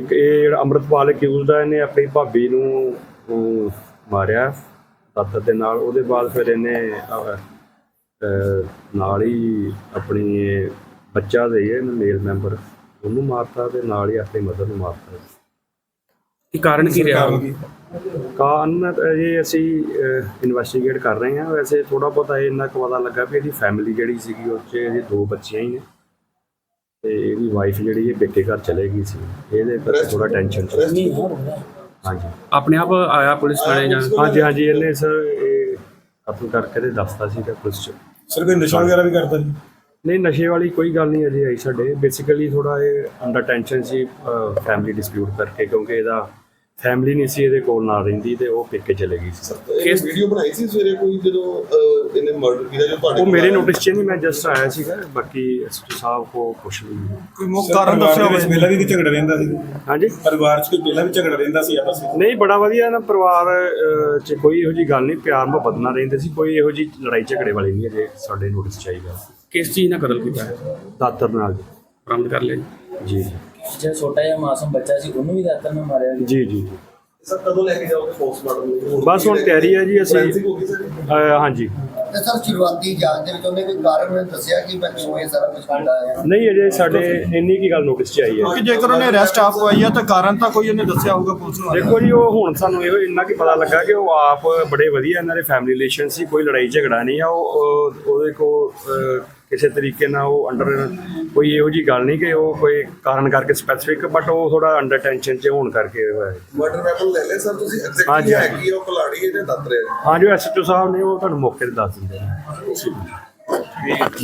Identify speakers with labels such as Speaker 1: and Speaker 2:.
Speaker 1: ਇੱਕ ਇਹ ਜਿਹੜਾ ਅੰਮ੍ਰਿਤਪਾਲ ਅਕਿਊਜ਼ਡ ਆ, ਇਹਨੇ ਆਪਣੀ ਭਾਬੀ ਨੂੰ ਮਾਰਿਆ ਦਾਤਰ ਦੇ ਨਾਲ। ਉਹਦੇ ਬਾਅਦ ਫਿਰ ਇਹਨੇ ਨਾਲ ਹੀ ਆਪਣੀ ਬੱਚਾ ਦੇ ਇਹਨੂੰ ਮੇਲ ਮੈਂਬਰ ਉਹਨੂੰ ਮਾਰਤਾ ਤੇ ਨਾਲ ਹੀ ਆਪਣੀ ਮਦਰ ਨੂੰ ਮਾਰਤਾ।
Speaker 2: ਕੀ ਕਾਰਨ ਕੀ ਰਿਹਾ?
Speaker 1: ਕਾਰਨ ਇਹ ਅਸੀਂ ਇਨਵੈਸਟੀਗੇਟ ਕਰ ਰਹੇ ਹਾਂ। ਵੈਸੇ ਥੋੜ੍ਹਾ ਬਹੁਤਾ ਇੰਨਾ ਕੁ ਪਤਾ ਲੱਗਾ ਵੀ ਇਹਦੀ ਫੈਮਿਲੀ ਜਿਹੜੀ ਸੀਗੀ ਉਹ 'ਚ ਇਹਦੀ 2 ਬੱਚੀਆਂ ਹੀ ਨੇ ਤੇ ਇਹਦੀ ਵਾਈਫ ਜਿਹੜੀ ਇਹ ਪੇਕੇ ਘਰ ਚਲੇ ਗਈ ਸੀ। ਇਹਦੇ ਕਰਕੇ ਥੋੜਾ ਟੈਨਸ਼ਨ ਸੀ। ਹਾਂਜੀ,
Speaker 2: ਆਪਣੇ ਆਪ ਆਇਆ ਪੁਲਿਸ ਥਾਣੇ ਜਾਂ?
Speaker 1: ਹਾਂਜੀ ਇਹਨੇ ਸਰ ਇਹ ਕਤਲ ਕਰਕੇ ਤੇ ਦੱਸਤਾ ਸੀਗਾ ਪੁਲਿਸ 'ਚ।
Speaker 3: ਸਰ ਕੋਈ ਨਸ਼ਾ ਵਗੈਰਾ ਵੀ ਕਰਦਾ ਜੀ?
Speaker 1: ਨਹੀਂ, ਨਸ਼ੇ ਵਾਲੀ ਕੋਈ ਗੱਲ ਨਹੀਂ ਅਜੇ ਆਈ ਸਾਡੇ। ਬੇਸਿਕਲੀ ਥੋੜਾ ਇਹ ਅੰਡਰ ਟੈਨਸ਼ਨ ਸੀ ਫੈਮਿਲੀ ਡਿਸਪਿਊਟ ਕਰਕੇ, ਕਿਉਂਕਿ ਇਹਦਾ ਫੈਮਿਲੀ ਨਹੀਂ ਸੀ ਇਹਦੇ ਕੋਲ ਨਾਲ ਰਹਿੰਦੀ ਤੇ ਉਹ ਪੇਕੇ ਚਲੇ ਗਈ ਸੀ।
Speaker 4: ਕੇਸ ਵੀਡੀਓ ਬਣਾਈ ਸੀ ਸਵੇਰੇ ਕੋਈ ਜਦੋਂ ਇਹਨੇ ਮਰਡਰ ਕੀਤਾ ਜੋ ਤੁਹਾਡੇ?
Speaker 1: ਉਹ ਮੇਰੇ ਨੋਟਿਸ 'ਚ ਨਹੀਂ, ਮੈਂ ਜਸਟ ਆਇਆ ਸੀਗਾ। ਬਾਕੀ ਐਸਪੀ ਸਾਹਿਬ ਕੋ ਕੁਛ ਨਹੀਂ।
Speaker 3: ਕੋਈ ਮੁੱਖ ਕਾਰਨ ਦੱਸਿਆ ਹੋਵੇ? ਪਹਿਲਾਂ ਵੀ ਝਗੜਾ ਰਹਿੰਦਾ ਸੀ
Speaker 1: ਹਾਂਜੀ,
Speaker 3: ਪਰਿਵਾਰ 'ਚ ਕੋਈ ਪਹਿਲਾਂ ਵੀ ਝਗੜਾ ਰਹਿੰਦਾ ਸੀ ਆਪਸ ਵਿੱਚ?
Speaker 1: ਨਹੀਂ, ਬੜਾ ਵਧੀਆ ਨਾ ਪਰਿਵਾਰ 'ਚ ਕੋਈ ਇਹੋ ਜਿਹੀ ਗੱਲ ਨਹੀਂ, ਪਿਆਰ ਮੁਹੱਬਤ ਨਾਲ ਰਹਿੰਦੇ ਸੀ। ਕੋਈ ਇਹੋ ਜਿਹੀ ਲੜਾਈ ਝਗੜੇ ਵਾਲੀ ਨਹੀਂ ਅਜੇ ਸਾਡੇ ਨੋਟਿਸ 'ਚ ਆਈ ਗੱਲ।
Speaker 2: ਕਿਸ ਚੀਜ਼ ਨਾਲ ਕਤਲ ਕੀਤਾ ਹੈ?
Speaker 1: ਦਾਤਰ ਨਾਲ
Speaker 2: ਬਰਾਮਦ ਕਰ ਲਿਆ
Speaker 1: ਜੀ।
Speaker 5: ਜਿਹੜਾ ਛੋਟਾ ਜਿਹਾ ਮਾਸੂਮ ਬੱਚਾ ਸੀ ਉਹਨੂੰ ਵੀ ਦਾਤਰ ਨਾਲ ਮਾਰਿਆ ਗਿਆ?
Speaker 1: ਜੀ।
Speaker 4: ਸਰ ਕਦੋਂ ਲੈ ਕੇ ਜਾਓਗੇ ਪੋਸਟਮਾਰਟਮ?
Speaker 1: ਬਸ ਹੁਣ ਤਿਆਰੀ ਹੈ ਜੀ। ਅਸੀਂ
Speaker 4: ਹੋ ਗਈ ਸਰ?
Speaker 1: ਹਾਂਜੀ।
Speaker 6: ਤੇ ਸਰ ਸ਼ੁਰੂਆਤੀ ਜਾਂਚ ਦੇ ਵਿੱਚ ਉਹਨੇ ਕੋਈ ਕਾਰਨ ਦੱਸਿਆ ਕਿ ਮੈਂ ਕਿਉਂ ਇਹ ਸਾਰਾ ਕੁਝ ਕਰਦਾ ਹੈ?
Speaker 1: ਨਹੀਂ, ਅਜੇ ਸਾਡੇ ਇੰਨੀ ਕੀ ਗੱਲ ਨੋਟਿਸ 'ਚ ਆਈ ਹੈ।
Speaker 3: ਕਿ ਜੇਕਰ ਉਹਨੇ ਅਰੈਸਟ ਆਪ ਹੋਈ ਆ ਤਾਂ ਕਾਰਨ ਤਾਂ ਕੋਈ ਉਹਨੇ ਦੱਸਿਆ ਹੋਊਗਾ ਪੁਲਿਸ ਨੂੰ?
Speaker 1: ਦੇਖੋ ਜੀ, ਉਹ ਹੁਣ ਸਾਨੂੰ ਇਹੋ ਇੰਨਾ ਕੀ ਪਤਾ ਲੱਗਾ ਕਿ ਉਹ ਆਪ ਬੜੇ ਵਧੀਆ ਇਹਨਾਂ ਦੇ ਫੈਮਿਲੀ ਰਿਲੇਸ਼ਨ ਸੀ। ਕੋਈ ਲੜਾਈ ਝਗੜਾ ਨਹੀਂ ਆ। ਉਹਦੇ ਕੋਲ ਕਿਸੇ ਤਰੀਕੇ ਨਾਲ ਉਹ ਅੰਡਰ ਕੋਈ ਇਹੋ ਜਿਹੀ ਗੱਲ ਨਹੀਂ ਕਿ ਉਹ ਕੋਈ ਕਾਰਨ ਕਰਕੇ ਸਪੈਸੀਫਿਕ, ਬਟ ਉਹ ਥੋੜਾ ਅੰਡਰ ਟੈਨਸ਼ਨ 'ਚ ਹੋਣ ਕਰਕੇ ਹੋਇਆ।
Speaker 4: ਮਰਡਰ ਵੈਪਨ ਲੈ ਲੈ ਸਰ ਤੁਸੀਂ?
Speaker 1: ਹਾਂਜੀ।
Speaker 4: ਐਗਜ਼ੈਕਟਲੀ ਹੈ ਕਿ ਉਹ ਕੁਲਾੜੀ ਹੈ ਜਾਂ ਦਾਤਰ ਹੈ?
Speaker 1: ਹਾਂਜੀ, ਐਸਐਚਓ ਸਾਹਿਬ ਨੇ ਉਹ ਤੁਹਾਨੂੰ ਮੌਕੇ ਤੇ ਦੱਸ ਦਿੰਦੇ ਨੇ।